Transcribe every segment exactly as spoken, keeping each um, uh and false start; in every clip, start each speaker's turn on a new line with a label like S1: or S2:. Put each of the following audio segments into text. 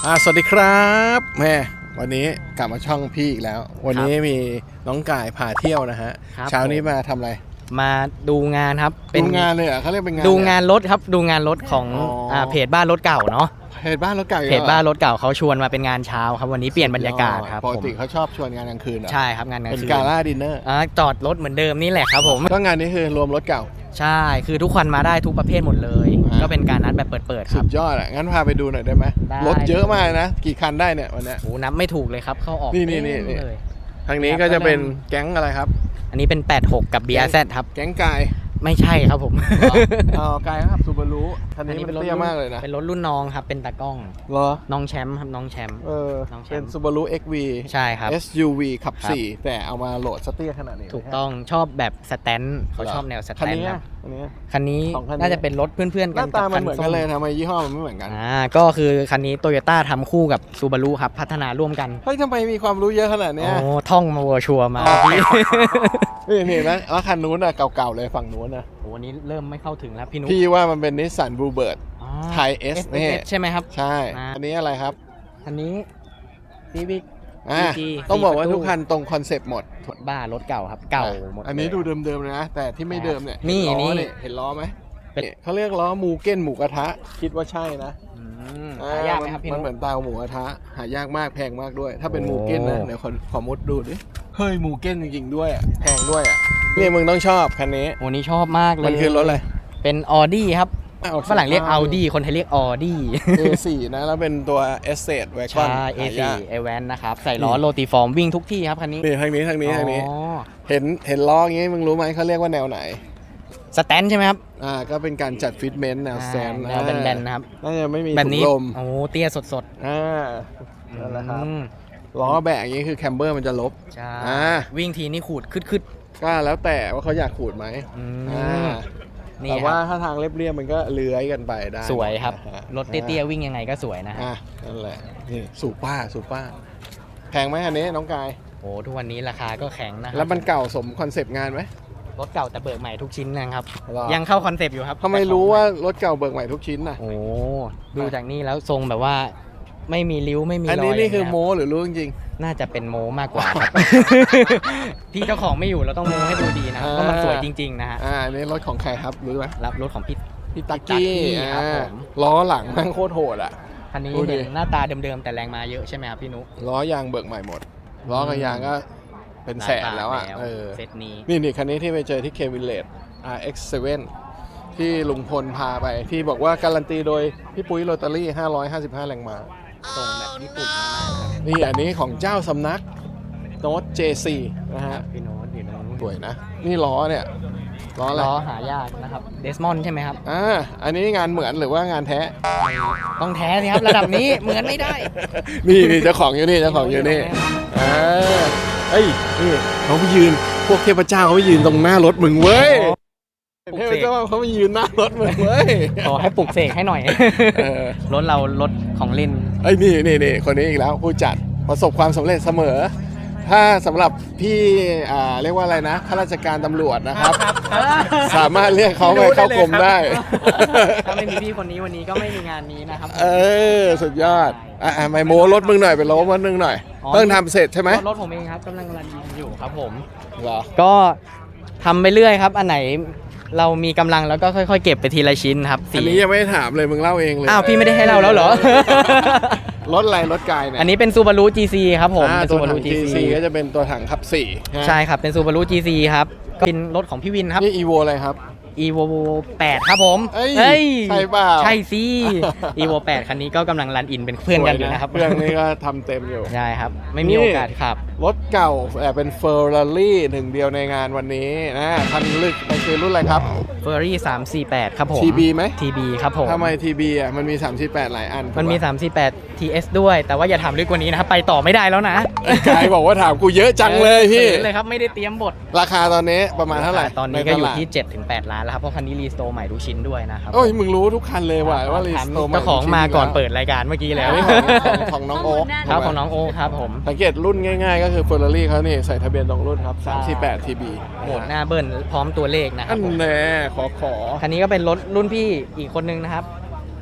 S1: อ่าสวัสดีครับแม่วันนี้กลับมาช่องพี่อีกแล้ววันนี้มีน้องกายพาเที่ยวนะฮะเช้านี้มาทำอะไร
S2: มาดูงานครับ
S1: เป็นงานเลยอ่ะเขาเรียกเป็นงาน
S2: ดูงานรถครับดูงานรถของอ่าเพจบ้านรถเก่าเนาะ
S1: เพจบ้านรถเก่า
S2: เพจบ้านรถเก่าเขาชวนมาเป็นงานเช้าครับวันนี้เปลี่ยนบรรยากาศครับ
S1: ปกติเขาชอบชวนงานกลางคืนเหรอ
S2: ใช่ครับงานกลางคืน
S1: เป็นกาล่าดินเนอร์
S2: อ่าจอดรถเหมือนเดิมนี่แหละครับผม
S1: ก็งานนี้คือรวมรถเก่า
S2: ใช่คือทุกคนมาได้ทุกประเภทหมดเลยก็เป็นการนัดแบบเปิดๆครับ
S1: สุดยอดอ่ะงั้นพาไปดูหน่อยได้ไหมรถเยอะมากนะกี่คันได้เนี่ยวันนี้
S2: โอ้นับไม่ถูกเลยครับเข้าออก
S1: นี่นี่นี่ทางนี้ก็จะเป็นแก๊งอะไรครับ
S2: อันนี้เป็นแปดหกกับ บี อาร์ แซด ครับ
S1: แก๊งกาย
S2: ไม่ใช่ครับผม
S1: อ๋อกายครับซูบารุคันนี้เป็นรถเตี้ยมากเลยนะ
S2: เป็นรถรุ่นน้องครับเป็นตากล้อง
S1: เหรอ
S2: น้องแชมป์ครับน้องแชมป์
S1: เออเป็นซูบารุ เอ็กซ์ วี
S2: ใช่ครับ
S1: เอส ยู วี ขับสี่แต่เอามาโหลดสเตี้ยขนาดนี้
S2: ถูกต้องชอบแบบสแตนเขาชอบแนวสแตนครับ
S1: คันนี้
S2: คันนี้น่าจะเป็นรถเพื่อนๆกัน
S1: หน้าตามันเหมือนกันเลยทำไมยี่ห้อมันไม่เหมือนกัน
S2: อ่าก็คือคันนี้โตโยต้าทำคู่กับซูบารุครับพัฒนาร่วมกัน
S1: เฮ้ยทำไมมีความรู้เยอะขนาดนี้
S2: โอ้ท่องมาวัวชัวมา
S1: พี่นี่นะแล้วคันนู้นอ่ะเก่าๆเลยฝั่งนู้นนะ
S2: โอ้วันนี้เริ่มไม่เข้าถึงแล้วพี่นุ๊ก
S1: พี่ว่ามันเป็นนิสสันบลูเบิร์ดไทยเอสนี่
S2: ใช่ไหมครับ
S1: ใช่อันนี้อะไรครับ
S2: อันนี้ซีวิก
S1: ต้องบอกว่าทุกคันตรงคอนเซปต์หมด
S2: บ้ารถเก่าครับเก่าหมด
S1: อันนี้ดูเดิมๆเลยนะแต่ที่ไม่เดิมเนี่ย
S2: นี่นี่
S1: เห็นล้อไหมเขาเรียกล้อมูเก้นหมูกระทะคิดว่าใช่นะ
S2: หายากไหมครับพี่นุ๊ก
S1: มันเหมือนตาหมูกระทะหายากมากแพงมากด้วยถ้าเป็นมูเก้นนะเดี๋ยวขอมุดดูดิเฮ้ยมูเก้นจริงๆด้วยแพงด้วยอ่ะนี่มึงต้องชอบคันนี้
S2: โอ้นี่ชอบมากเลย
S1: มันคือรถอะไร
S2: เป็นออดี้ครับฝรั่งเรียก Audi คนไทยเรียก Audi
S1: เอ สี่ นะแล้วเป็นตัว Estate Wagon
S2: ใช่ เอ สี่ เอ แวน นะครับใส่ล้อโรติฟอร์มวิ่งทุกที่ครับคันนี้
S1: นี่ทางนี้ทางนี้ทางนี้เห็นเห็นล้ออย่างงี้มึงรู้ไหมเขาเรียกว่าแนวไหน
S2: สแตนใช่ไหมครับ
S1: อ่าก็เป็นการจัดฟิตเมนต์แนวสแตน
S2: แนวแบนๆนะครับ
S1: น่าจะไม่มี
S2: แบบนี้
S1: ถุงลม
S2: โอ้เตี้ยสด
S1: ๆอ่านั่นแหละครับล้อแบะอย่างงี้คือแคมเบอร์มันจะลบ
S2: ใช่วิ่งทีนี่ขูดคึด
S1: ๆก็แล้วแต่ว่าเขาอยากขูดไหมอ่าแต่ว่าถ้าทางเรียบๆมันก็เลื้อยกันไปได้
S2: สวยครับรถเตี้ยๆวิ่งยังไงก็สวยนะ
S1: อ่ะนั่นแหละนี่สูป้าสูป้าแพงไหมอันนี้น้องกาย
S2: โอ้ทุกวันนี้ราคาก็แข็งนะ
S1: แล้วมันเก่าสมคอนเซปต์งานไหม
S2: รถเก่าแต่เบิกใหม่ทุกชิ้นนะครับยังเข้าคอนเซปต์อยู่ครับ
S1: ทำไมรู้ว่ารถเก่าเบิกใหม่ทุกชิ้นน่ะ
S2: โอ้ดูจากนี่แล้วทรงแบบว่าไม่มีริ้วไม่มีรอย
S1: อันนี้นี่คือโม้หรือรู้จริง
S2: น่าจะเป็นโม้มากกว่าครับพี่เจ้าของไม่อยู่เราต้องโม้ให้ดูดีนะเพราะมันสวยจริงๆนะฮะ
S1: อ่าอันนี้รถของใครครับรู้ไหม
S2: รับรถของพี่
S1: พี่ตักกี้ครับผมล้อหลังแม่งโคตรโหดอ่ะ
S2: คันนี้เห็นหน้าตาเดิมๆแต่แรงมาเยอะใช่ไหมครับพี่นุ๊ก
S1: ล้อยางเบิกใหม่หมดล้อกับยางก็เป็นแสนแล้วอ่ะเออ
S2: เซตนี้
S1: นี่นี่คันนี้ที่ไปเจอที่เควินเลด อาร์ เอ็กซ์ เซเว่น ที่ลุงพลพาไปที่บอกว่าการันตีโดยพี่ปุ้ยโรตารี่ห้าร้อยห้าสิบห้าแรงม้า
S2: ทรงแบบญี่ปุ่นมาก
S1: นี่อันนี้ของเจ้าสำนักโน้ต เจ ซี นะฮะ
S2: พี่โน้ตอยู่ตรงนู้น
S1: สวยนะนี่ล้อเนี่ยล้ออะไร
S2: ล้อหายากนะครับเดสมอนใช่ไหมครับ
S1: อ่าอันนี้งานเหมือนหรือว่างานแท้
S2: ต้องแท้สิครับระดับนี้เหมือนไม่ได้
S1: นี่นี่เจ้าของอยู่นี่เจ้าของอยู่นี่อ่าเอ้ยนี่เขาไปยืนพวกเทพเจ้าเขาไปยืนตรงหน้ารถมึงเว้ยเทพเจ้าเขาไปยืนหน้ารถมึงเว้ย
S2: ขอให้ปลุกเสกให้หน่อยรถเรารถของเล่น
S1: เอ้ยนี่นี่นี่คนนี้อีกแล้วผู้จัดประสบความสำเร็จเสมอถ้าสำหรับพี่อ่าเรียกว่าอะไรนะข้าราชการตำรวจนะครับสามารถเรียกเขาไปเข้ากรมได้
S2: ถ้าไม่มีพี่คนนี้วันนี้ก็ไม่มีงานนี้นะครับ
S1: เออสุดยอดอ่ะไม่โม้รถมึงหน่อยไปโล้รถมึงหน่อยเพิ่งทำเสร็จใช่ไหม
S2: รถผมเองครับกำลังรันอยู่ครับผม
S1: เหรอ
S2: ก็ทำไปเรื่อยครับอันไหนเรามีกำลังแล้วก็ค่อยๆเก็บไปทีละชิ้นครับ
S1: อันนี้ยังไม่ถามเลยมึงเล่าเองเลย
S2: อ้าวพี่ไม่ได้ให้เล่าแล้วเหรอ
S1: รถอะไรรถกายเนี่ย
S2: อันนี้เป็นซูบารุ จี ซี ครับผม
S1: เป็นซูบารุ จี ซี ก็จะเป็นตัวถังขับสี่
S2: ใช่ครับเป็นซูบารุ จี ซี ครับก็เป็นรถของพี่วินครับ
S1: นี่ อี โว อะไรครับ
S2: อี โว แปดครับผม
S1: เฮ้ยใช่เปล่า
S2: ใช่สิ อี โว แปดคันนี้ก็กำลังรันอินเป็นเพื่อนกันอยู่นะครับ
S1: เพื่อนนี่ก็ทำเต็มอยู่
S2: ใช่ครับไม่มีโอกาสขับ
S1: รถเก่าแต่เป็นเฟอร์รารี่หนึ่งเดียวในงานวันนี้นะคันลึกมันคือรุ่นอะไรครับ
S2: เฟอร์รารี่สามสี่แปดครับผม
S1: ที บี ไหม
S2: ที บี ครับผม
S1: ทำไม ที บี อ่ะมันมีสามสี่แปดหลายอัน
S2: มันมีสามสี่แปด ที เอส ด้วยแต่ว่าอย่าถามลึกกว่านี้นะครับไปต่อไม่ได้แล้วนะ
S1: กายบอกว่าถามกูเยอะจังเลยพี่
S2: เลยครับไม่ได้เตรียมบท
S1: ราคาตอนนี้ประมาณเท่าไหร่
S2: ตอนนี้ก็อยู่ที่ เจ็ดถึงแปด ล้านแล้วครับเพราะคันนี้รีสโตร์ใหม่ทุกชิ้นด้วยนะครับ
S1: โอ้ยมึงรู้ทุกคันเลยว่ะว่ารีสโตร์ใหม่
S2: เจ้าของมาก่อนเปิดรายการเมื่อกี้แล้ว
S1: ของน้องโอ๊ค
S2: ครับของน้องโอ๊คครับผม
S1: สังเกตรุ่นง่ายๆก็คือ Ferrari เขานี่ใส่ทะเบียนตรงรุ่นครับสามสี่แปด ที บี
S2: โหมดหน้าเบิ้ลพร้อมตัวเลขนะครับ
S1: อันแน่ขอขอ
S2: คันนี้ก็เป็นรถรุ่นพี่อีกคนนึงนะครับ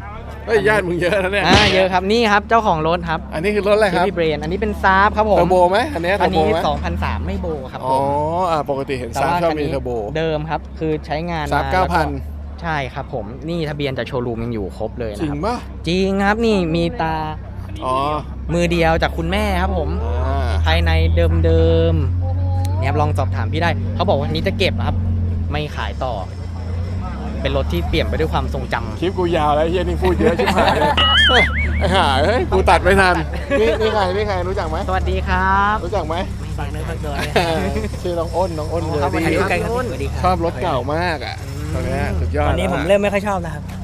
S1: เฮ้ยญาติมึงเยอะนะเนี่ย
S2: อ่าเยอะครับนี่ครับเจ้าของรถครับ
S1: อันนี้คือรถอะไรครับ
S2: พี่เบรนอันนี้เป็นซาร์ฟครับผม
S1: เทอร์โบไหมอันนี้เท
S2: อั
S1: อน ร์โบ
S2: นี้
S1: ไหม
S2: สองพันสามไม่โบครับ
S1: อ๋
S2: ผ
S1: อ
S2: ม
S1: อ่าปกติเห็น
S2: แต่
S1: ซาร์
S2: ว่า
S1: ชอบ
S2: คัน
S1: มี
S2: นี้
S1: เทอร์โบ
S2: เดิมครับคือใช้งาน
S1: ซาร์
S2: มา
S1: เก้าพัน
S2: แล้วก็ใช่ครับผมนี่ทะเบียนจากโชว์รูมยังอยู่ครบเลย
S1: จริ
S2: นะ
S1: ง
S2: ครับ
S1: ป่ะ
S2: จริงครับนี่มีตา
S1: อ๋อ
S2: มือเดียวจากคุณแม่ครับผม
S1: อ่า
S2: ภายในเดิมๆเนี่ยครับลองสอบถามพี่ได้เขาบอกว่าอันนี้จะเก็บครับ ไม่ขายต่อ เป็นรถที่เปลี่ยนไปด้วยความทรงจำ
S1: คลิปกูยาวแล้วเฮียนี่พูดเยอะชิบหายเลยไอ้ห่าเฮ้ยกูตัดไม่ทันนี่นี่ใครนี่ใครรู้จักไหม
S2: สวัสดีครับ
S1: รู้จักไหม
S2: ฝากเนื้อฝากตัวเลย
S1: ชื่อน้องอ้นน้องอ้นเลย
S2: ครับสวัสดีครับ
S3: สวัสดีค
S1: ช
S3: รับ
S1: อบรถเก่ามากอ่ะตอนเนี้ยสุดยอด
S3: ตอนนี้
S1: แล้ว
S3: ผม
S1: อะ
S3: เริ่มไม่ค่อยชอบแล้วครับ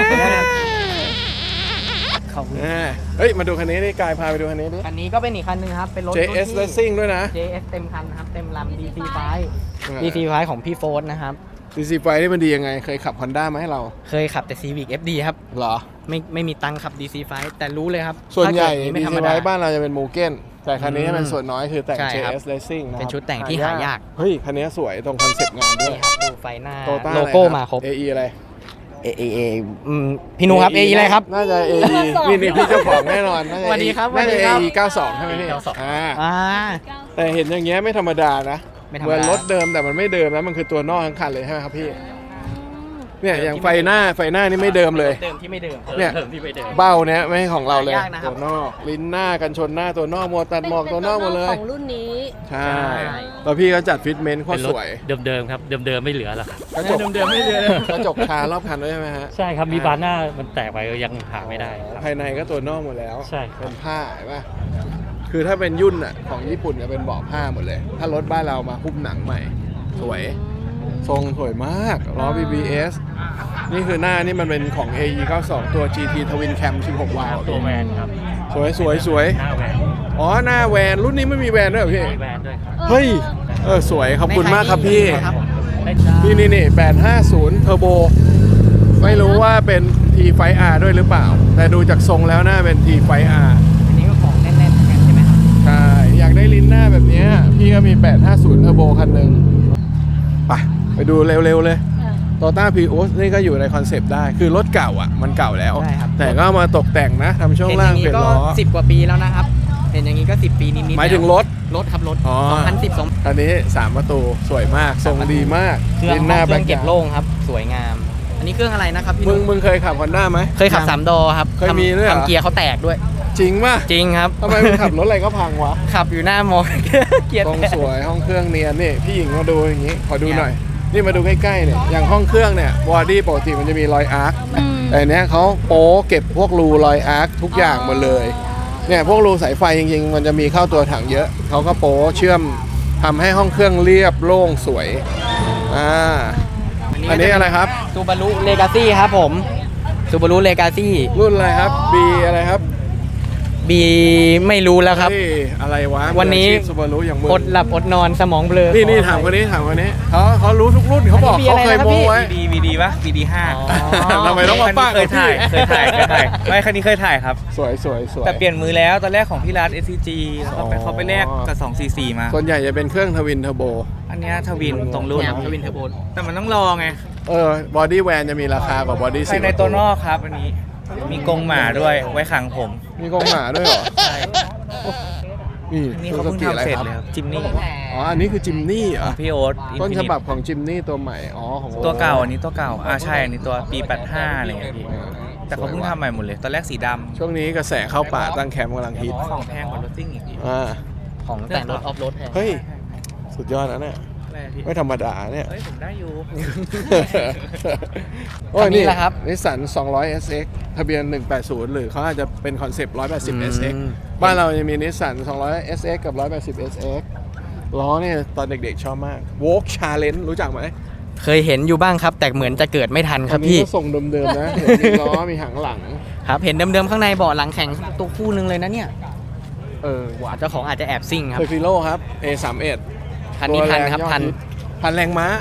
S3: ขอบคุณ
S1: อ่าเฮ้ยมาดูคันนี้ดิกายพาไปดูคันนี้ดิ
S2: อันนี้ก็เป็นอีกคันหนึงครับ เป็นรถ
S1: เจ เอส
S2: รุ่นที่
S1: Racing ด้วยนะ
S2: เจ เอส เต็มคันนะครับ เต็มลำ ดี ซี ไฟ
S1: อ่า
S2: ดี ซี ไฟ ของพี่โฟร์นะครับ
S1: ดี ซี ไฟนี่มันดียังไงเคยขับ Honda มาให้เรา
S2: เคยขับแต่ Civic เอฟ ดี ครับ
S1: เหรอ
S2: ไม่ไม่มีตังค์ขับ ดี ซี ไฟ แต่รู้เลยครับ
S1: ส่วนใหญ่
S2: ถ้าเกิด
S1: ดี
S2: ไม่ธรร
S1: ซี
S2: ม
S1: ไฟ
S2: ดา
S1: บ้านเราจะเป็นมูเก้นแต่คันนี้
S2: อืม
S1: เป็นส่วนน้อยคือแต่ง
S2: ใช่
S1: เจ
S2: ครับ
S1: เอส Racing นะครับ
S2: เป็นชุดแต่งที่หายาก
S1: เฮ้ยคันนี้สวยตรงคอนเซ็ปต์งานด้ว
S2: นี่
S1: ย
S2: ครับดูไฟหน้า
S1: โตต้า
S2: โลโก้มาครบ
S1: เอไออะไร
S2: เอเอเออืมพี่นุครับ เออะไรครับ
S1: น่าจะ เอ อี นี่นี่พี่เจ้าของแน่นอนน่าจะ
S2: สวัสดีครับ
S1: น่าจะ
S2: สวัสดีครับ
S1: เอ อี เก้าสองใช่ไหมพี่
S2: เก้าสอง
S1: อ่า
S2: อ่า
S1: แต่เห็นอย่างเงี้ยไม่ธรรมดานะ
S2: ไม่ธรร
S1: เห
S2: ม
S1: มือน
S2: ดาร
S1: ถเดิมแต่มันไม่เดิมนะมันคือตัวนอกทั้งคันเลยใช่ไหมครับพี่เนี่ยอย่างไฟหน้าไฟหน้านี่ไม่เดิมเลย
S2: เดิมที่ไม่เดิม
S1: เนี่ย
S2: เดิมที่ไม่เดิม
S1: เบ้าเนี้ยไม่ใช่ของเราเลย
S2: หายากนะครับ
S1: ตัวนอกลิ้นหน้ากันชนหน้าตัวนอกหมวกตัดหมอกตัวนอกหมดเลย
S4: ของรุ่นนี้
S1: ใช่แล้วพี่ก็จัดฟิตเมนต์โคตรสวย
S5: เดิมๆครับ เดิมๆไม่เหลือแล้วครับ
S1: กระจก
S2: เดิมๆไม่เดิม
S1: กระจกคารอบคันด้วยใช่ไหมฮะ
S5: ใช่ครับ มีบานหน้ามันแตกไปยังหาไม่ได้ครับ
S1: ภายในก็ตัวนอกหมดแล้ว
S5: ใช่ครับ
S1: เป็นผ้าเห็นป่ะคือถ้าเป็นยุ่นอ่ะของญี่ปุ่นจะเป็นเบาะผ้าหมดเลย ถ้ารถบ้านเรามาหุ้มหนังใหม่ สวย ทรงสวยมากล้อ บี บี เอส นี่คือหน้านี่มันเป็นของ เอ อี เก้าสอง ตัว จี ที Twin Cam สิบหก วาล์ว
S5: ตัวแวนครับ
S1: สวยสวยสวย
S5: หน้าแวน
S1: อ๋อหน้าแวนรุ่นนี้ไม่มีแวนด้วยเหรอพี่
S5: มีแวนด้วยครับ
S1: เฮ้ยเออสวยขอบคุณมากครับพี่
S2: ครับ
S5: ได้จ้า
S1: นี่นี่นี่แปดห้าศูนย์เทอร์โบไม่รู้ว่าเป็น ที ไฟ อาร์ ด้วยหรือเปล่า แต่ดูจากทรงแล้วน่าเป็น ที ไฟ อาร์
S2: อันนี้ก็ของแน่นๆเหมือนกันใช่ไหมครับ
S1: ใช่ อยากได้ลิ้นหน้าแบบเนี้ยพี่ก็มี แปดห้าศูนย์เทอร์โบคันหนึ่งไปไปดูเร็วๆเลยโตต้าพีโอสนี่ก็อยู่ในคอนเซปต์ได้ คือรถเก่าอ่ะ มันเก่าแล้ว
S2: ใช่ครับ
S1: แต่ก็มาตกแต่งนะทำช่วง
S2: เห็นอ
S1: ล่าง
S2: ย่าง
S1: เปลี่
S2: นี้
S1: ยน
S2: ก็
S1: ล้อ
S2: สิบกว่าปีแล้วนะครับ เห็นอย่างนี้ก็สิบปีนิดๆ
S1: หมายถึงรถ
S2: รถครับรถ
S1: อ๋อ
S2: สองพันสิบสอง
S1: อันนี้สามประตูสวยมากทรงดีมาก
S2: เครื่อง
S1: ลิ้นหน้า
S2: เครื่องเก็บ
S1: แบ็ค
S2: โล่งครับ สวยงาม อันนี้เครื่องอะไรนะครับพี่
S1: มึง
S2: นุ๊ก
S1: มึงเคยขับ Honda ไหม
S2: เคยขับสามดอครับ
S1: เคย
S2: ทำ
S1: มีด้วยเหรอ
S2: ทำเกียร์เขาแตกด้วย
S1: จริงป่ะ
S2: จริงครับ
S1: ทำไมมึงขับรถอะไรก็พังวะ
S2: ขับอยู่หน้ามอ เกียร์
S1: ตรง
S2: แตก
S1: สวยห้องเครื่องเนียนนี่พี่หญิงมาดูอย่างนี้ขอดู
S2: เนี่ย
S1: หน่อย นี่มาดูใกล้ๆเนี่ยอย่างห้องเครื่องเนี่ยบอดี้ปกติมันจะมีรอยอาร์ค
S4: อืม
S1: แต่อันเนี้ยเขาโป๊เก็บพวกรูรอยอาร์คทุกอย่างหมดเลยเนี่ยพวกรูสายไฟจริงๆ มันจะมีเข้าตัวถังเยอะเขาก็โป๊เชื่อมทำให้ห้องเครื่องเรียบโล่งสวยอ่าอันนี้อะไรครับ
S2: ซูบารุเลกาซี่ครับผมซูบารุเลกาซี่
S1: รุ่นอะไรครับ B อะไรครับ
S2: บีไม่รู้แล้วครับ
S1: เฮ้ยอะไรวะ
S2: วันนี้
S1: ซูบารุอย่างมึง
S2: อดหลับอดนอนสมองเบลอ
S1: นี่นี่ถามคนนี้ถามคนนี้เขาเขารู้ทุกรุ่นเขาบอก
S2: อันนี้
S1: เขาเคย
S2: B อะไรนะครับ
S1: โม้
S2: พี่
S1: ไว้
S3: วีดีวีดีปะวีดีห้า
S1: ทำไมต้องมาป้า
S3: เคยถ่ายเคยถ่ายเคยถ่ายไม่คันนี้เคยถ่ายครับ
S1: สวยสวยสวย
S3: แต่เปลี่ยนมือแล้วตอนแรกของพี่รัฐ เอส ซี จี แล้วก็ไป
S1: อ๋อ
S3: เขาไปแลกกับสองสี่สี่มา
S1: ส่วนใหญ่จะเป็นเครื่องทวินเทอร์โบ
S3: อันเนี้ยทวินตรงรุ่น
S2: แนวทวินเทอร์โบ
S3: แต่มันต้องรอไง
S1: เออบอดี้แวนจะมีราคากว่าบอดี้
S3: ภา
S1: สี่
S3: ยในตัวนอกครับอันนี้มีกรงหมาด้วยไว้ขังผม
S1: มีกรงหมาด้วยเหรอ
S3: ใช่
S1: นี่
S3: อันนี้เขาเพิ่ง
S1: ซูซูกิ
S3: ทำเสร็จ
S1: อะ
S3: เลย
S1: ไค
S3: ค
S1: รั
S3: รับ บจิมนี่
S1: อ๋ออันนี้คือจิมนี่เหรอ
S3: พี่โอ๊ต
S1: ต้น
S3: Infinite
S1: ฉบับของจิมนี่ตัวใหม่อ๋อของ
S3: ตัวเก่าอันนี้ตัวเก่าอ่าใช่อันนี้ตัวปีแปดห้าอะไรอย่างเงี้ยพี่แต่เขาเพิ่งทำใหม่หมดเลย ตอนแรกสีดำ
S1: ช่วงนี้กระแสเข้าป่าตั้งแคมป์กำลังฮิต
S3: ของแพงกว่ารถซิ่งอีกพี่
S1: อ่า
S2: ของแต่งรถออฟโรดแทน
S1: เฮ้ยสุดยอดนะเนี่ย
S3: อะไรพี่
S1: ไม่ธรรมดาเนี่ย
S3: เฮ้ยผมได้อยู่
S1: โอ้ย
S2: คันนี้
S1: นี่
S2: แหละครับ
S1: นิสสันสองร้อย เอส เอ็กซ์ ทะเบียนหนึ่งแปดศูนย์หรือเขาอาจจะเป็นคอนเซปต์หนึ่งร้อยแปดสิบ เอส เอ็กซ์ บ้านเรายังมีนิสสันสองร้อย เอส เอ็กซ์ กับ หนึ่งร้อยแปดสิบ เอส เอ็กซ์ ล้อเนี่ยตอนเด็กๆชอบมาก Walk Challenge รู้จักไหม
S2: เคยเห็นอยู่บ้างครับ แต่เหมือนจะเกิดไม่ทันค
S1: อั
S2: รั
S1: น
S2: บ
S1: นี้
S2: พี่
S1: ก็ทรงเดิมๆนะเห็นมีล้อมีหางหลัง
S2: ครับเห็นเดิมๆข้างในเบาะหลังแข็งตัวคู่หนึงเลยนะเนี่ย
S1: เออหวาน
S2: เจ้าของอาจจะแอบซิ่งครับ
S1: เทอร์ฟิโลครับ เอ สามสิบเอ็ด
S2: คันนี้ทันครับทัน
S1: พันแรงม้า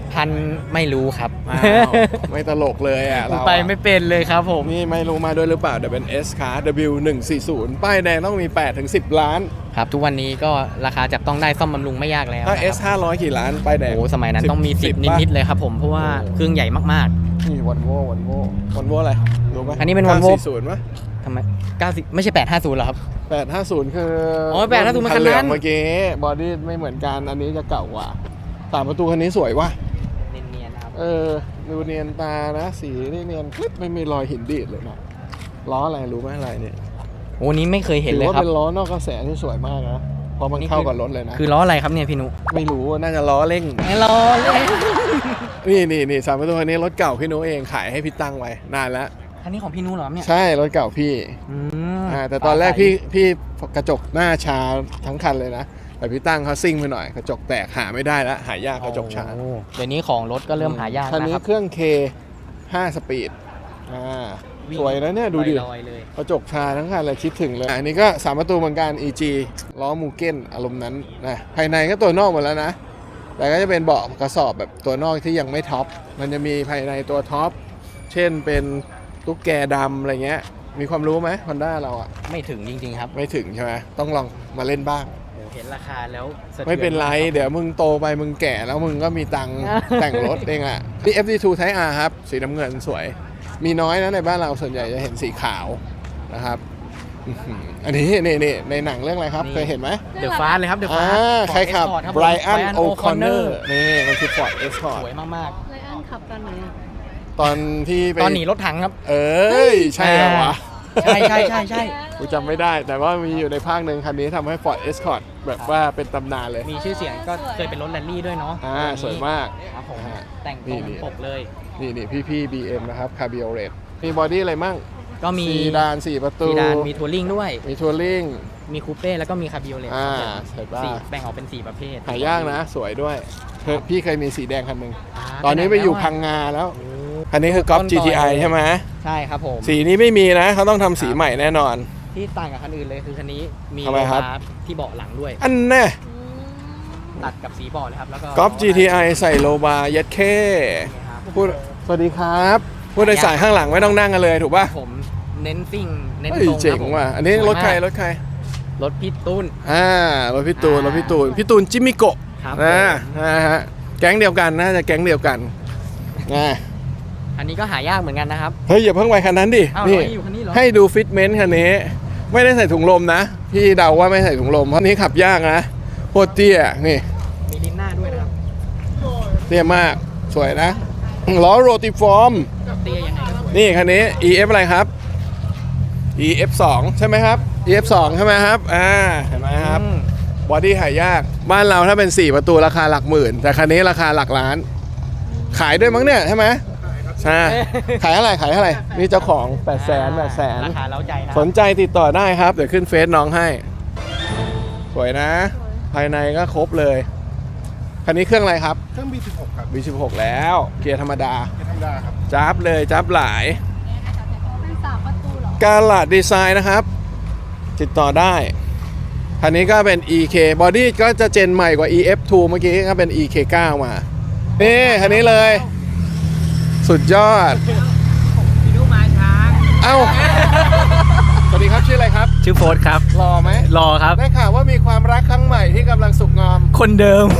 S2: พันไม่รู้ครับ
S1: อ้าว ไม่ตลกเลยอ่ะเรา
S2: ไป
S1: อะ
S2: ไม่เป็นเลยครับผม
S1: นี่ไม่รู้มาด้วยหรือเปล่าเดี๋ยวเป็น S คาร์ ดับเบิลยู หนึ่งสี่ศูนย์ ป้ายแดงต้องมี แปดถึงสิบ ล้าน
S2: ครับทุกวันนี้ก็ราคาจับต้องได้ซ่อมบำรุงไม่ยากแล้ว
S1: ถ้า
S2: นะครับ
S1: S ห้าร้อยกี่ล้าน ป้ายแดง
S2: โอ้สมัยนั้นต้องมีสิบ
S1: ป่ะ
S2: นิดๆเลยครับผมเพราะว่าเครื่องใหญ่มาก
S1: นี่วันโว่วันโว่วันโว่อะไรรู้ไหม
S2: อันนี้เป็น Volvo
S1: เก้าสี่ศูนย์มั้ย
S2: ๆทำไมเก้าสิบไม่ใช่แปดห้าศูนย์หรอครับ
S1: แปดห้าศูนย์คือ
S2: โอ้ยแปดห้าศูนย์มันคันนั้น
S1: เหลืองเมื่อกี้บอดี้ไม่เหมือนกันอันนี้จะเก่ากว่าสามประตูคันนี้สวยว่ะ
S2: เนียนๆนะครับ
S1: เออดูเนียนตานะสีนี่เนียนคลิปไม่มีรอยหินดีดเลยนะล้ออะไรรู้ไหมอะไรเนี่ย
S2: โอ้นี้ไม่เคยเห็น
S1: ถื
S2: เลย
S1: ว่า
S2: ครับ
S1: เป็นล้อนอกกระแสที่สวยมากนะเพราะมัน
S2: นี่
S1: เข้า
S2: คือ
S1: กับรถเลยนะ
S2: คือล้ออะไรครับเนี่ยพี่นุ
S1: ไม่รู้น่าจะล้อเร่ง
S2: ไม่ล้อเลย
S1: นี่นี่นี่สามประตูคันนี้รถเก่าพี่นุเองขายให้พี่ตั้งไว้นานแล้ว
S2: อันนี้ของพี่นุเหรอครับเนี่ย
S1: ใช่รถเก่าพี่
S2: อืม
S1: อ่าแต่ตอนแรกพี่พี่กระจกหน้าชาทั้งคันเลยนะแต่พี่ตั้งเขาซิ่งไปหน่อยกระจกแตกหาไม่ได้แล้วหายากกระจกชา
S2: โอ้เดี๋ยวนี้ของรถก็เริ่มหายาก
S1: คัน
S2: นะ
S1: นี้
S2: ครับ
S1: เครื่อง K ห้า สปีดอ่า
S2: วิ่ง
S1: สวยนะเนี่ยดูดิ
S2: ลอยๆเลย
S1: กระจกชาทั้งคันเลยคิดถึงเลยอันนี้ก็สามประตูเหมือนกัน อี จี ล้อมูเก้นอารมณ์นั้นนะภายในก็ตัวนอกหมดแล้วนะ แต่ก็จะเป็นเบาะกระสอบแบบตัวนอกที่ยังไม่ท็อปมันจะมีภายในตัวท็อปเช่นเป็นตุ๊กแกดำอะไรเงี้ยมีความรู้ไหมฮอนด้าเราอะ
S2: ไม่ถึงจริงๆครับ
S1: ไม่ถึงใช่ไหมต้องลองมาเล่นบ้าง
S2: โอ้เห็นราคาแล้วสะทือ
S1: ไม่เป็นไร
S2: ากคบ
S1: เดี๋ยวมึงโตไปมึงแก่แล้วมึงก็มีตังค์ แต่งรถเองอ่ะนี่ เอฟ ดี ทู Type R ครับ สีน้ำเงินสวย มีน้อยนะในบ้านเราส่วนใหญ่จะเห็นสีขาวนะครับอื้อหืออันนี้นี่นี่ในหนังเรื่องอะไรครับ
S2: นี่
S1: เคยเห็นไหม
S2: เดอะฟาสเลยครับเดอะ
S1: อ่า
S2: ฟาส
S1: ใครขับ
S2: ครับ
S1: ไบรอัน
S2: Brian
S1: โอคอนเนอ
S2: O'Connor
S1: ร์นี่มันคือ Ford Escort
S2: สวยมาก
S4: ไลอ้อนขับตอนไหนอะ
S1: ตอนที่ไป
S2: ๆ ตอนหนีรถถังครับ
S1: เอ้ย ใช่เหรอวะ
S2: ใช่ใช่ใช่ใช่
S1: กูจำไม่ได้แต่ว่ามีอยู่ในภาคหนึ่งคันนี้ทำให้ Ford Escort แบบว่าเป็นตำนานเลย
S2: มีชื่อเสียงก็เคยเป็นรถแรลลี่ด้วยเนาะ
S1: อ่าสวยมาก
S2: ครับผม
S1: อ่า
S2: แต่งต
S1: นี่
S2: รง
S1: นี่
S2: ปกเลย
S1: นี่นี่พี่พี่ บี เอ็ม นะครับ Cabriolet มีบอดี้อะไรมั่ง
S2: ก็มี
S1: ซีดานสี่ประตู
S2: ซีดานมีทัวริงด้วย
S1: มีทัวริง
S2: มีคูเป้แล้วก็มีคาบิโอเลต
S1: อ่าเห็นป่ะ
S2: สี่แบ่งออกเป็นสี่ประเภท
S1: หายากนะ สวยด้วยเคยพี่เคยมีสีแดงคันหนึ่ง
S2: า
S1: ตอนนี้ไปอยู่
S2: ห
S1: พังงาแล้ว
S2: โอ้
S1: คันนี้คือกอล์ฟ
S2: ต้น
S1: จี ที ไอ
S2: ต่อเลย
S1: ใช่ไหม
S2: ใช่ครับผม
S1: สีนี้ไม่มีนะ เขาต้องทำสีใหม่แน่นอน
S2: ที่ต่างกับคันอื่นเลยคือคันนี้มี
S1: ทำไมครับ
S2: โลบาร์ที่เบาะหลังด้วย
S1: อันแน่
S4: อืม
S2: ตัดกับสีเบาะเลยครับแล้วก็
S1: กอล์ฟ จี ที ไอ ใส่โลบาร์ยัดเข้
S2: นี่ครับ
S1: พูดสวัสดีครับผู้โดยสารข้างหลังไม่ต้องนั่งกันเลยถูกป่ะ
S2: ผมเน้นซิ่งเน้น
S1: เฮ้ย
S2: ตรง
S1: เจ๋ง
S2: คบผม
S1: ว่ะอันนี้
S2: สวย
S1: รถใคร
S2: มาก
S1: รถใคร
S2: รถพี่ตุ้น
S1: อ่ารถพี่ตูน
S2: อ่าร
S1: ถพี่ตูนพี่ตูนจิมมิโกะ
S2: ครับ
S1: นะนะฮะแก๊งเดียวกันน่าจะแก๊งเดียวกันนะ
S2: อันนี้ก็หายากเหมือนกันนะครับ
S1: เฮ้ยอย่าเพิ่งไปคันนั้นดิ
S2: อ้าว
S1: นี่
S2: เราอยู่คันนี้เหรอ
S1: ให้ดูฟิตเมนต์คันนี้ ไม่ได้ใส่ถุงลมนะ พี่เดาว่าไม่ใส่ถุงลมเพราะนี้ขับยากนะโคตรเตี้ยนี่
S2: มีลิ้นหน้าด้วยนะครับ
S1: เตี้ยมากสวยนะล้อโรติฟอร์ม
S2: เตี้ยยังไงก็สวย
S1: นี่คันนี้ อี เอฟ อะไรครับ อี เอฟ สอง ใช่ไหมครับ อี เอฟ สอง ใช่ไหมครับอ่าเห็นไหมครับ
S2: อืม
S1: บอดี้หายาก บ้านเราถ้าเป็น สี่ ประตูราคาหลักหมื่น แต่คันนี้ราคาหลักล้าน ขายด้วยมั้งเนี่ยใช่ไหมใช่ขายเท่าไหร่ขายเท่าไหร่นี่เจ้าของแปดแสนแปดแสน
S2: ราคาเล้าใจนะ
S1: สนใจติดต่อได้ครับ เดี๋ยวขึ้นเฟซน้องให้ สวยนะ ภายในก็ครบเลย คันนี้เครื่องอะไรครับ
S6: เครื่อง บี สิบหก ครับ
S1: บี สิบหก แล้ว เกียร์ธรรมดา
S6: เป็นธรรมดาครับ
S1: จับเลยจับหลาย
S4: เป็นสามประตูเหรอ
S1: กาลาดดีไซน์นะครับ ติดต่อได้ คันนี้ก็เป็น อี เค บอดี้ก็จะเจนใหม่กว่า อี เอฟ ทู เมื่อกี้ก็เป็น อี เค ไนน์ มา นี่คันนี้เลย สุดยอด
S2: พี่นุมาช้า
S1: เอ้า สวัสดีครับชื่ออะไรครับ
S5: ชื่อโฟร์ครับ
S1: รอไหม
S5: รอครับ
S1: ได้ข่าวว่ามีความรักครั้งใหม่ที่กำลังสุกงอม
S5: คนเดิม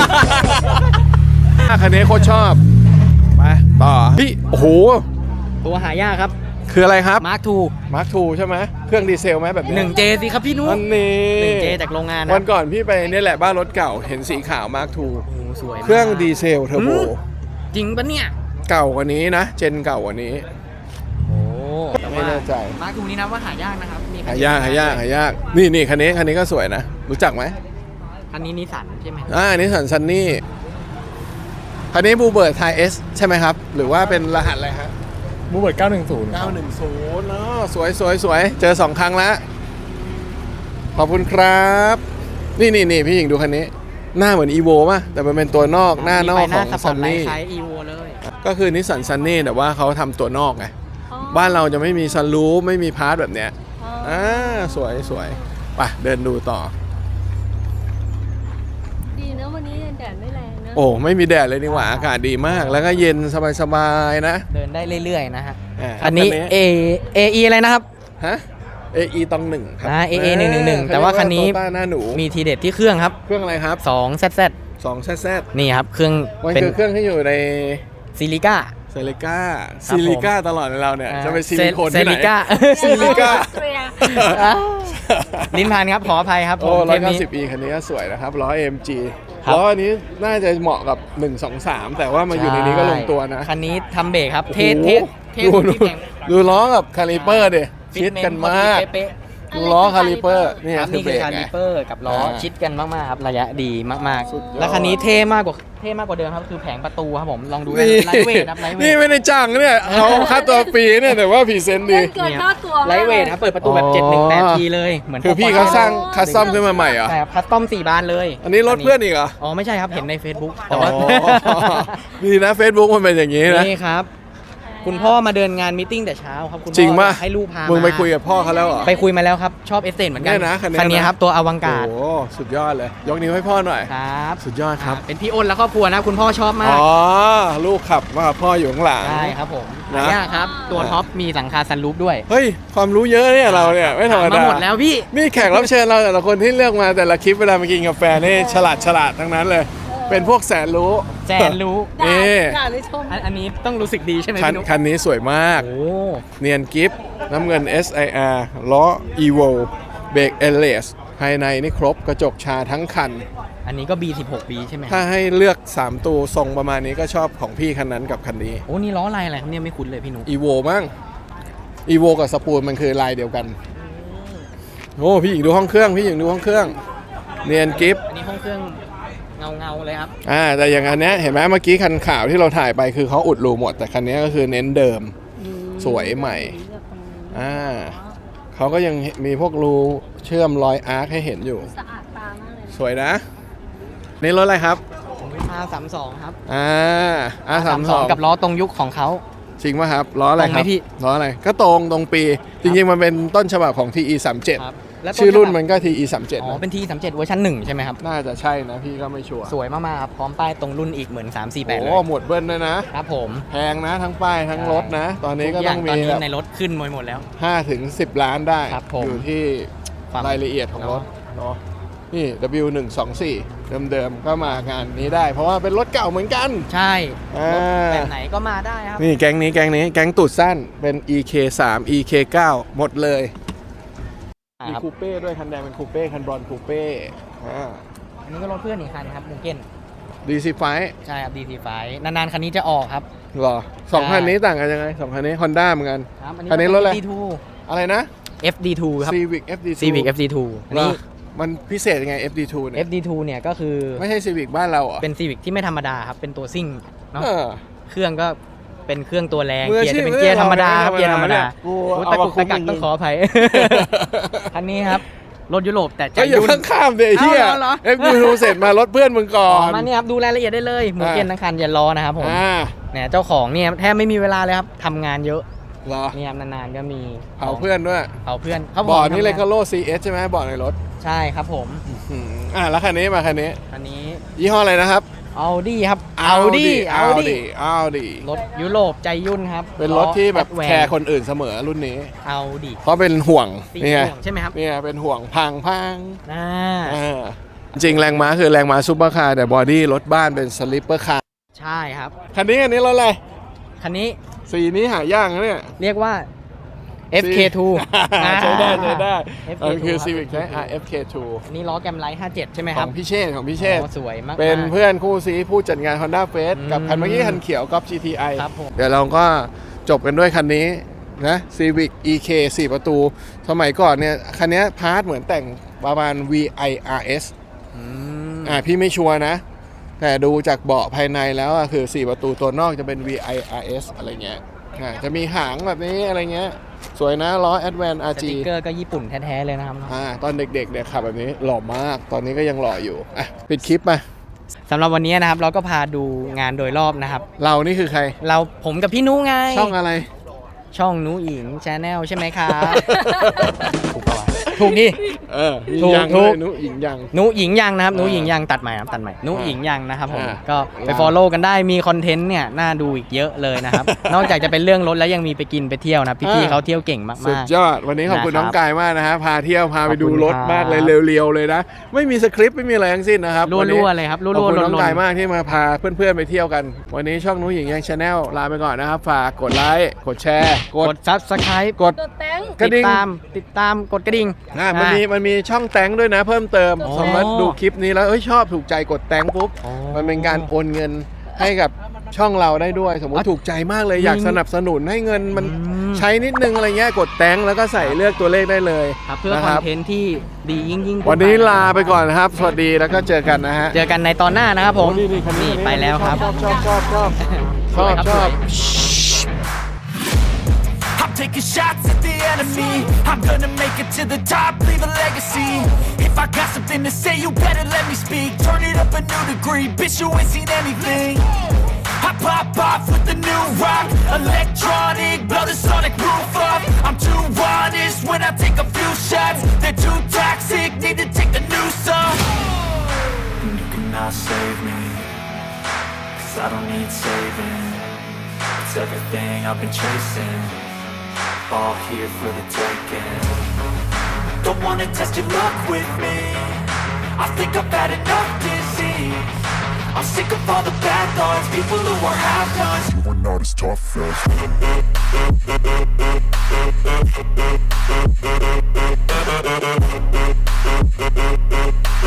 S1: คันนี้โคตรชอบ ไป ต่อพี่โอ้โห
S2: ตัวหายากครับ
S1: คืออะไรครับ
S2: มาร์คทู
S1: มาร์คทูใช่ไหม เครื่องดีเซลไหมแบบนี้
S2: หนึ่งเจสิครับพี่นุ
S1: อันนี้
S2: หนึ่งเจจากโรงงานนะ
S1: วันก่อนพี่ไปเนี่ยแหละบ้านรถเก่า เห็นสีขาวมาร์คทู
S2: โอ้โหสวยมาก
S1: เครื่องดีเซลเทอร์โบ
S2: อืม จริงปะเนี่ย
S1: เก่ากว่านี้นะ เจนเก่ากว่านี้
S2: โอ้แต่
S1: ไม่
S2: ว่า
S1: แน่ใจ
S2: มาร์คทูนี้นะว่าหายากนะครับมีคัน
S1: หา
S2: เดีวย
S1: ากหายากหายาก นี่นี่คันนี้คันนี้ก็สวยนะ รู้จักไหม
S2: คันนี้นิสสันใช่ไหม
S1: อ่าอันนี้สันซันนี่คันนี้บูเบิร์ดไทเอสใช่ไหมครับ หรือว่าเป็นรหัสอะไรฮะ
S6: มูเบิร์ดเก้าหนึ่งศูนย์
S1: เก้าหนึ่งศูนย์เนาะสวยสวยสวยเจอสองครั้งแล้ว ขอบคุณครับ นี่นี่นี่พี่หญิงดูคันนี้ หน้าเหมือนอีโวป่ะ แต่มันเป็นตัวนอกหน้านอก
S2: มีไฟห
S1: ข
S2: น้า
S1: อง
S2: สปอ
S1: ซั
S2: ร์ต
S1: น
S2: ไล
S1: นี่
S2: ท์คล้ายอีโวเลย
S1: ก็คือนิสสันซันนี่แต่ว่าเขาทำตัวนอกไง
S4: อ๋อ
S1: บ้านเราจะไม่มีซันรูฟไม่มีพาร์ทแบบเนี้ย
S4: อ๋อ
S1: อ่าสวยสวยไปเดินดูต่อ
S4: ดีนะวันนี้แดดไม่แรงนะ
S1: โอ้ไม่มีแดดเลยนี่หว่าอากาศดีมาก แล้วก็เย็นสบายๆนะ
S2: เดินได้เรื่อยๆนะฮะ
S1: า
S2: อันนี้ A A E อะไรนะครับ
S1: ฮะ เอ อี ตองหนึ่งครับ
S2: อ่า เอ เอ หนึ่งหนึ่งหนึ่งแต่ว่าคันนี้
S1: โตต้าหน้าหนู
S2: มีทีเด็ดที่เครื่องครับ
S1: เครื่องอะไรครับ
S2: สอง แซด แซด
S1: สองแซดแซด
S2: นี่ครับ เครื่อง
S1: มัน
S2: เป็น
S1: คือเครื่องที่อยู่ใน
S2: ซิลิก้า
S1: เซลิก้า
S2: ครับ
S1: ซิลิก้าตลอดในเราเนี่ย
S2: อ่า
S1: จะเป็นซิลิโคน
S2: เซ
S1: ที่ไหน
S2: ลิก้า
S1: ซิลิก้า
S2: อ่ะลิ้นพันครับ ขออภัยครับผ
S1: โอ้
S2: ม
S1: ร้
S2: เท
S1: อย
S2: ป
S1: เก้า
S2: นี้
S1: สิบอีคันนี้ก็สวยนะครับล้อ เอ็ม จี
S2: ครับ
S1: ล้ออันนี้น่าจะเหมาะกับหนึ่ง สอง สามแต่ว่ามาอยู่ในนี้ก็ลงตัวนะ
S2: คันนี้ทำเบรกครับ เทส
S1: โอ้
S2: เท
S1: โห
S2: สเทส
S1: ดู
S2: ที่
S1: ดู
S2: แข่ง
S1: ดูล้อกับคาลิเปอร์ดิ
S2: ฟิ
S1: ชิด
S2: ตเม
S1: กัน
S2: พอ
S1: มาก
S2: ดีเป๊ะ
S1: ดูล้อคาลิเปอร์นี่
S2: ๆครับ
S1: คือ
S2: นี่
S1: เบร
S2: คือก คา
S1: ไง
S2: ลิเปอร์กับล้อ
S1: อ่า
S2: ชิดกันมากๆครับระยะดีมาก
S1: สุดยอด
S2: ๆ แล้วคันนี้เท่มากกว่าเท่มากกว่าเดิมครับคือแผงประตูครับผมลองดู
S1: นี่
S2: ไลท์เวทครับไลท์เว
S1: นี่
S2: ท
S1: ไม่ได้จ้างเนี่ยเขาค่าตัวฟรีเนี่ยแต่ว่าพรีเซนต์ดี
S4: เกินค่าตัว
S2: ไลท์เวทครับเปิดประตูแบบ
S1: อ๋อ
S2: เจ็ดหนึ่งแปดทีเลยเหมือน
S1: คือพี่เขาสร้างคัสตอมขึ้นมาใหม่เหรอ
S2: ใช่ครับคัสตอมสี่บานเลย
S1: อันนี้รถเพื่อนอีกเหรอ
S2: อ๋อไม่ใช่ครับเห็นใน Facebook แต่
S1: อ๋อ
S2: ว่า
S1: ดีนะ Facebook มันเป็นอย่างนี้นะ
S2: นี่ครับ คุณพ่อมาเดินงานมตติ팅แต่เช้าครับคุณพ่อ
S1: จริงป่ะ
S2: อยากให้ลูกพา
S1: มึ
S2: มึ
S1: งไปคุยกับพ่อเขาแล้วเหรอ
S2: ไปคุยมาแล้วครับ ชอบเอสเซนเหมือนกั
S1: เนี่ยนะคันนี้นะ
S2: คันนี้ครับตัวอวัง
S1: โอ้
S2: การ์ด
S1: โหสุดยอดเลย ยกนิ้วให้พ่อหน่อย
S2: ครับ
S1: สุดยอดครับ
S2: เป็นพี่อ้นและครอบครัวนะคุณพ่อชอบมา
S1: อ๋
S2: ก
S1: อ ลูกขับมากับพ่ออยู่ข้างหลัง
S2: ใช่ครับผม
S1: นะ
S2: เนี่ยครับตัวท็อปมีหลังคาซันรูฟด้วย
S1: เฮ้ย ความรู้เยอะเนี่ยเราเนี่ย ไม่ธรรม
S2: มา
S1: ดา
S2: หมดแล้วพี่
S1: นี่แขกรับเชิญเราแต่ละคนที่เลือกมาแต่ละคลิปเวลามากินกาแฟนี่ฉลาดฉลาดทั้งนั้นเลย เป็นพวกแสนรู้
S2: แสนรู้
S1: นี่
S4: ด่าหรือชม
S2: อันอันนี้ต้องรู้สึกดีใช่ไหม
S1: คัน
S2: พี่นุ๊ก
S1: คันนี้สวยมาก
S2: โอ้
S1: เนียนกิฟต์น้ำเงิน เอส ไอ อาร์ ล้อ Evo เบรก เอล เอส ภายในนี่ครบกระจกชาทั้งคัน
S2: อันนี้ก็ บี สิบหก บี ใช่ไหม
S1: ถ้าให้เลือก สาม ตัวทรงประมาณนี้ก็ชอบของพี่คันนั้นกับคันนี้
S2: โอ้นี่ล้อลายอะไรครับเนี่ยไม่คุ้นเลยพี่นุ๊ก
S1: Evo มั้ง Evo กับสปูนมันคือลายเดียวกัน โอ้พี่หญิงดูห้องเครื่อง พี่หญิงดูห้องเครื่อง เนียนกิฟต์
S2: อันนี้ห้องเครื่องเงาเงาๆเลยครับ
S1: อ่าแต่อย่างอันเนี้ยเห็นไหมเมื่อกี้คันขาวที่เราถ่ายไปคือเขาอุดรูหมด แต่คันนี้ก็คือเน้นเดิม สวยใหม่ อ่าเขาก็ยังมีพวกรูเชื่อมรอยอาร์คให้เห็นอยู่
S4: สะอาดตามากเลย
S1: สวยนะ นี่รถอะไรครับ
S2: ผมเป็น อาร์ สามสิบสอง ครับ
S1: อ่าอาสามสอง
S2: กับล้อตรงยุคของเขา
S1: จริงป่ะครับล้ออะไร
S2: ตรง
S1: ค
S2: ไหม
S1: รับ
S2: พี่
S1: ล้ออะไรก็ตรงตรงปี จริงๆมันเป็นต้นฉบับของ ที อี สามเจ็ด
S2: ครับแล้วต้
S1: ชื่อรุ่นมัน
S2: ฉบับ
S1: ก็ ที อี สามเจ็ด
S2: อ๋อ
S1: นะ
S2: เป็นทีสามเจ็ดเวอร์ชันหนึ่งใช่ไหมครับ
S1: น่าจะใช่นะพี่ก็ไม่ชัวร์
S2: สวยมากๆครับ พร้อมป้ายตรงรุ่นอีกเหมือนสามสี่แปด
S1: โอ้
S2: เลย
S1: หมวดเบิ้ลด้วยนะ
S2: ครับผม
S1: แพงนะทั้งป้ายทั้งรถนะ ตอนนี้ก็
S2: ทุ
S1: ต้
S2: ย่า
S1: อง
S2: ตอน
S1: มี
S2: นี้
S1: แบบ
S2: ในรถขึ้นหมดหมดแล้ว
S1: ห้าถึงสิบล้านได้
S2: ครับผม
S1: อยู่ที่
S2: ความ
S1: รายละเอียดของรถเนาะนี่ ดับเบิลยู หนึ่ง สอง สี่ เดิมๆก็มางานนี้ได้ เพราะว่าเป็นรถเก่าเหมือนกัน
S2: ใช่
S1: อ่า
S2: รถแบบไหนก็มาได้ครับ
S1: นี่แก๊งนี้แก๊งนี้แก๊งตูดสั้นเป็น อี เค สาม อี เค เก้า หมดเลย มี
S2: ครับ
S1: คูเป้ด้วยคันแดงเป็นคูเป้คันบรอนซ์คูเป้อ่า
S2: อันนี้ก็รถเพื่อนอีกคันครับมูเก้น
S1: ดีซีไฟ
S2: ใช่ครับ ดี ที ไฟว์ นานๆคันนี้จะออกครับ
S1: หรอสอง
S2: ใช่
S1: คันนี้ต่างกันยังไงสองคันนี้ฮอนด้าเหมือนกัน
S2: ครับ
S1: คันนี้รถอะไร
S2: เอฟ ดี ทู
S1: อะไรนะ
S2: เอฟ ดี ทู ครับ
S1: Civic เอฟ ดี ทู
S2: Civic เอฟ ดี ทู อันนี้
S1: มันพิเศษยังไง เอฟ ดี ทู เนี่ย
S2: เอฟ ดี ทู เนี่ยก็คือ
S1: ไม่ใช่ Civic บ้านเราเหรอ
S2: เป็น Civic ที่ไม่ธรรมดาครับ เป็นตัวซิ่งเนาะ
S1: เออ
S2: เครื่องก็เป็นเครื่องตัวแรง
S1: มือ
S2: เกียร์
S1: อาชีพ
S2: จะเป็นเกียร์ธรรมดาครับ
S1: ไม่
S2: เกียร์
S1: ธ
S2: ธ
S1: ร
S2: ร
S1: ร
S2: ร
S1: ม
S2: ม
S1: ดา
S2: ดา
S1: กู
S2: โอ้
S1: เอา
S2: ตะ
S1: มา
S2: กุก
S1: คุ
S2: ตะ
S1: ม
S2: กัก
S1: มึง
S2: ต้องขออภัย คันนี้ครับ รถยุโรปแต่ใจ
S1: ก็อย่า
S2: ยุ่
S1: เพิ่
S2: น
S1: งข้ามเดี๋ยวเฮีย
S2: เอาเหรอ
S1: เอฟ ดี ทู เสร็จมารถเพื่อนมึงก่อ
S2: อ๋อน มาเนี่ยครับดูรายละเอียดได้เลยหมูเกียนทั้งคันอย่ารอนะครับผม
S1: อ่า
S2: เนี่ยเจ้าของเนี่ยแทบไม่มีเวลาเลยครับทำงานเยอะ
S1: เหรอ
S2: เนี่ยครับนานๆก็มี
S1: เผาเพื่อนด้วย
S2: เผาเพื่อนเขา
S1: บอร์ดนี่
S2: ทำงา
S1: เลยก็โล ซี เอส ใช่ไหมบอร์ดในรถ
S2: ใช่ครับผม
S1: อืมอ่าแล้วคันนี้มาคันนี้
S2: อันนี้
S1: ยี่ห้ออะไรนะครับ
S2: เอาดี้ครับเอาดี้เอาดี้
S1: เอาดี
S2: รถยุโรปใจยุ่นครับ
S1: เป็นรถที่แบบ
S2: ล้อ
S1: แคร์คนอื่นเสมอรุ่นนี้
S2: เอาดี้
S1: เพราะเป็นห่วง
S2: สี
S1: นี่ไง
S2: ม่วงใช่ไหมครับ
S1: เนี่ยเป็นห่วงพังพัง
S2: อ่า
S1: อ่าจริงแรงม้าคือแรงม้าซุปเปอร์คาร์แต่บอดี้รถบ้านเป็นสลิปเปอร์คาร์
S2: ใช่ครับ
S1: คันนี้คันนี้รถอะไร
S2: คันนี้
S1: สีนี้หายากนะเนี่ย
S2: เรียกว่า เอฟ เค ทู
S1: ใช้ได้ใช้ได้
S2: เอฟ
S1: มัน
S2: เค
S1: คือ
S2: ทู
S1: Civic ใช้ อาร์ เอฟ เค ทู
S2: อันนี้ล้อแกมไลท์ห้าสิบเจ็ดใช่ไหม
S1: ข
S2: ครั
S1: อบ งพี่เชษฐ์ของพี่เชษฐ์
S2: โอ้สวยมากๆ
S1: เป็นเพื่อนคู่ซีผู้จัดงาน Honda Fest กับคันเมื่อกี้
S2: อืม
S1: คันเขียวกับ จี ที ไอ
S2: ครับผม
S1: เดี๋ยวเราก็จบกันด้วยคันนี้นะ Civic อี เค สี่ประตู สมัยก่อนเนี่ย คันนี้พาร์ทเหมือนแต่งประมาณ วี ไอ อาร์ เอส
S2: อืม
S1: อ่าพี่ไม่ชัวร์นะ แต่ดูจากเบาะภายในแล้วอะคือ สี่ ประตูตัวนอกจะเป็น วี ไอ อาร์ เอส อะไรเงี้ยอ่าจะมีหางแบบนี้อะไรเงี้ยสวยนะล้อ Advance อาร์
S2: ส
S1: จี
S2: ติกเกอร์ก็ญี่ปุ่นแท้ ๆ เลยนะครับ
S1: อ่าตอนเด็กๆเนี่ยขับแบบนี้หล่อมาก ตอนนี้ก็ยังหล่ออยู่อ่ะปิดคลิปมา
S2: สำหรับวันนี้นะครับ เราก็พาดูงานโดยรอบนะครับ
S1: เรานี่คือใคร
S2: เราผมกับพี่นุ้ไง
S1: ช่องอะไร
S2: ช่องนุ้อิงชาแนลใช่ไหมครับ ถูกปะวะถูกดิ
S1: เออมี
S2: ถูก
S1: ยัง
S2: ถู
S1: ด้ว
S2: ก
S1: ยนุหญิงยัง
S2: นุหญิงยังนะครับนุ
S1: อ่า
S2: หญิงยังตัดใหม่ครับตัดใหม่นุหญิงยังนะครับผม
S1: อ่า
S2: ก็ไป
S1: ลา
S2: follow กันได้มีคอนเทนต์เนี่ยน่าดูอีกเยอะเลยนะครับ นอกจากจะเป็นเรื่องรถแล้วยังมีไปกินไปเที่ยวนะครับพี่ๆเขาเที่ยวเก่งมาก
S1: สุด
S2: ๆ
S1: ยอดวันนี้ขอบคุณ
S2: นะครับ
S1: น้องกายมากนะฮะพาเที่ยวพาไปดู
S2: ขอบคุณ
S1: รถมากเลย
S2: ครับ
S1: เร็วๆเลยนะ ไม่มีสคริปต์ไม่มีอะไรทั้งสิ้นนะครับ
S2: รั
S1: วันนี้
S2: วๆเลยครับรัว
S1: ขอบ
S2: ๆ
S1: คุณ
S2: ล
S1: น้อง
S2: น
S1: กายมากที่มาพาเพื่อนๆไปเที่ยวกัน วันนี้ช่องนุ้ยหญิงยังชาแนลลาไปก่อนนะครับ ฝากกดไลค์กดแชร์
S2: ๆกด Subscribe
S1: กด
S4: ตัวแตง
S1: กระดิ่
S2: ติ
S1: ง
S2: ดตามติดตามกดกระดิ่ง
S1: อ่ะมันมีมันมีช่องแตงด้วยนะ เพิ่มเติม
S2: อ๋อ
S1: สามารถดูคลิปนี้แล้วเอ้ยชอบถูกใจกดแตงปุ๊บ
S2: อ๋อ
S1: มันเป็นการโอนเงินให้กับช่องเราได้ด้วย สมมติถูกใจมากเลยอยากสนับสนุนให้เงินมัน
S2: อืม
S1: ใช้นิดนึงอะไรเงี้ยกดแตงแล้วก็ใส่เลือกตัวเลขได้เลย
S2: ครับเพื่อ
S1: นะ
S2: ค
S1: ค
S2: อน
S1: รับ
S2: เทนต์ที่ดียิ่งยิ่งๆ
S1: วันนี้
S2: ขึ้ไป
S1: ลาไปก่อนนะครับ สวัสดีแล้วก็เจอกันนะฮะ
S2: เจอกันในตอนหน้านะครับผม
S1: โอ้นี่นี่คันนี้
S2: นี่ไปแล้วครับ
S1: ชอบชอบชอบชอบช
S2: ส
S1: อ
S2: วย
S1: บ
S2: ครับ
S1: ชอบ
S2: สวย
S7: I'm taking shots at the enemy. I'm gonna make it to the top, leave a legacy. If I got something to say, you better let me speak. Turn it up a new degree, bitch, you ain't seen anything. I pop off with the new rock, electronic, blow the sonic roof up. I'm too honest when I take a few shots. They're too toxic, need to take the noose off. And you cannot save me, cause I don't need saving. It's everything I've been chasing, all here for the taking. Don't wanna test your luck with me, I think I've had enough disease. I'm sick of all the bad thoughts, people who are half-nots.
S6: You are not as tough as